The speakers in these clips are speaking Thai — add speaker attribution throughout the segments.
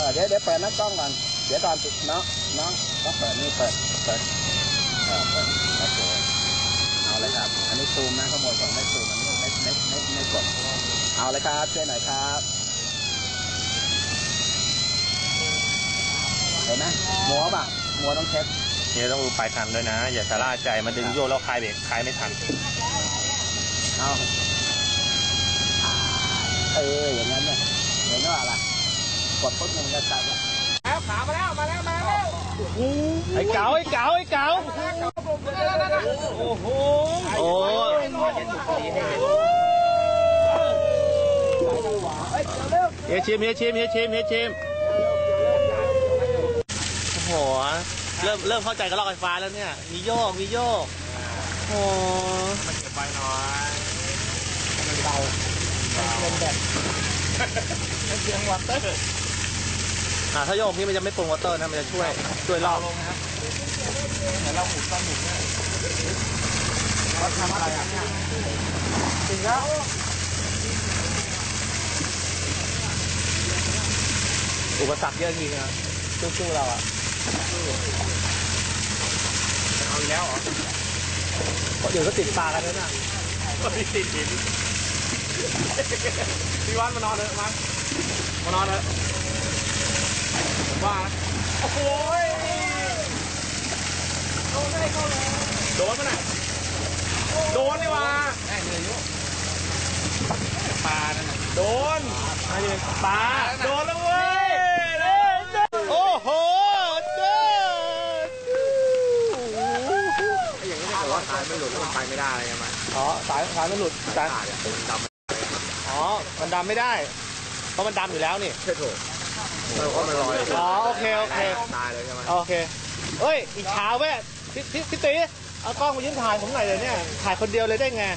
Speaker 1: เดี๋ยวเปิดน้ำกล้องก่อนเดี๋ยวตอนติดน้องต้องเปิดนี่เปิดโอเคเอาเลยครับอันนี้ซูมนะข้างบนของไม่ซูมอันนี้ไม่กดเอาเลยครับช่วยหน่อยครับเห็นไหมมัวป่ะมัวต้องเช็ค
Speaker 2: เนี่ยต้องดูปลายคันด้วยนะอย่าชะล่าใจมันดึงโยกแล้วคลายเบรกคลายไม่ทัน
Speaker 1: เอาอย่างนั้นเนี่ยเห็นว่าอะไรกดปุ๊บมันจะตัดแล้วขามาแล้ว
Speaker 2: ไอ้เก๋าโอ้โหเฮียชิมโอ้โหเริ่มเข้าใจกับรถไฟฟ้าแล้วเนี่ยมีโยกโอ้มันเก็บไปหน่อยมันเบาเป็นแบบเสียงวอเตอร์ถ้าโยกนี่มันจะไม่ปรุงวอเตอร์นะมันจะช่วยรอบแต่เราหมุนต้องหมุนเนี่ยเราทำอะไรอ่ะจริงแล้วอุปสรรคเยอะจริงนะสู้เราอ่ะเอาแล้วเหรอเดี๋ยวก็ติดปลากันแล้วนะก็ติดหินพี่วันมานอนเลยมานอนเลยผมว่าโอ้โหโดนไม่ได้เข้าเลยโดนมั้ยน่ะโดนนี่วะแม่เหนื่อยอยู่ปลานั่นโดนปลาโดนแล้วเว้ยโอ้โหเจ้าอย่างนี้ถ้าเกิดว่าสายไม่หลุดแล้วมันไปไม่ได้ใช่ไหมอ๋อสายไม่หลุดสายดำอ๋อมันดำไม่ได้เพราะมันดำอยู่แล้วนี่ใช่ถูกเพราะมันลอยอ๋อโอเคตายเลยใช่ไหมโอเคเอ้ยอีกเช้าแม่พี่ตีเอากล้องมายืนถ่ายผมหน่อยเลยเนี่ยถ่ายคนเดียวเลยได้ไง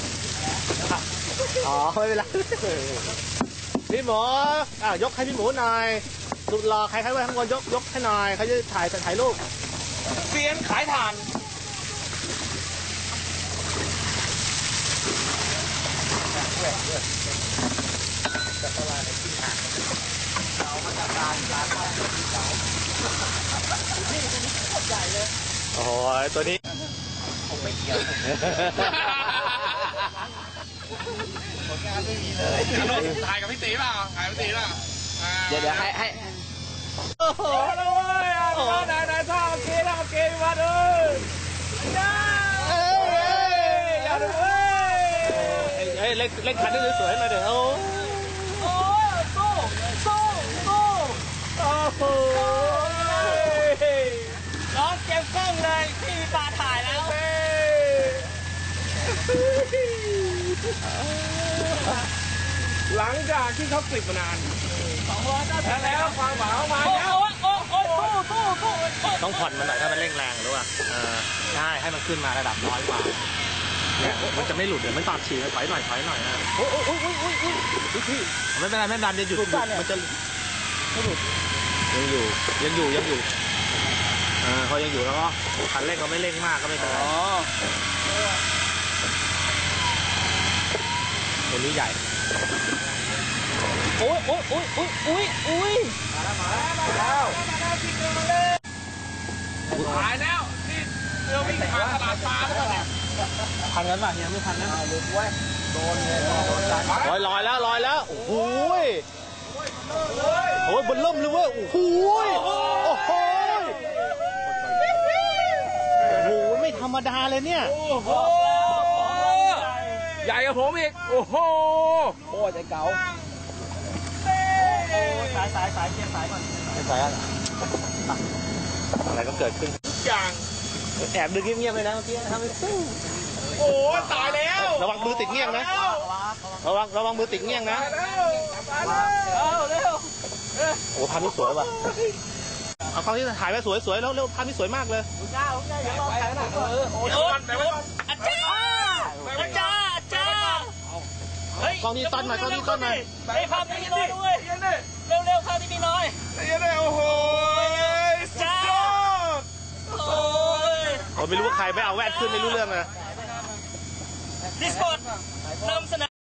Speaker 2: อ๋อไม่เป็นไรพี่หมูยกให้พี่หมูหน่อยสุดหล่อใครไว้ข้างบนยกให้หน่อยเขาจะถ่ายรูปเซียนขายถ่านโอ้โหตัวนี้ผมไม่เกี่ยวผลงานไม่มีเลยถ่ายกับพี่ตีเปล่าเดี๋ยวให้โอ้โหเลยนายท่าเมื่อกี้มาดูอย่าดูเล่นคันได้สวยๆมาเดี๋ยวโอ้โหน้องเก็บกล้องเลยพี่ปาถ่ายแล้วหลังจากที่เขากลิบมานานแล้วความหวานมาแล้วต้องผ่อนมันหน่อยถ้ามันเร่งแรงรู้ป่ะใช่ให้มันขึ้นมาระดับน้อยกว่าเนี่ยมันจะไม่หลุดเดี๋ยวมันตอดฉี่ถอยหน่อยนะโอ้ยไม่เป็นไรไม่ดันจะหยุดมันจะไม่หลุดยังอยู่พอยังอยู่แล้วก็คันเร่งก็ไม่เร่งมากก็ไม่เป็นไรตัวนี้ใหญ่โอ้ยมาแล้วหายแล้วนี่เรือวิ่งผ่านตลาดปลาแล้วเนี่ยพันกันป่ะเนี่ยไม่พันนะลืมไว้โดนเลยลอยแล้วโอ้โหบนล่มเลยเว้ยโอ้โหไม่ธรรมดาเลยเนี่ยโอ้โหใหญ่กว่าผมอีกโอ้โหใจเก๋าสายเกียร์สายก่อนสายอะไรก็เกิดขึ้นทุกอย่างแอบดึงเงียบๆเลยนะเมื่อกี้ทำให้สู้โอ้ตายแล้วระวังมือติดเงี้ยงนะระวังมือติดเงี้ยงนะเร็วโอ้ภาพนี้สวยว่ะเอากล้องที่ถ่ายไว้สวยแล้วภาพนี้สวยมากเลยจ้าอย่ารอถ่ายนะอาจารย์กล้องนี้ต้นหน่อยไอ้ภาพนี้น้อยด้วยเร็วภาพนี้มีน้อยโอ้โหจ้าผมไม่รู้ว่าใครไม่เอาแว่นขึ้นไม่รู้เรื่องเลยดิสโก้นำเสนอ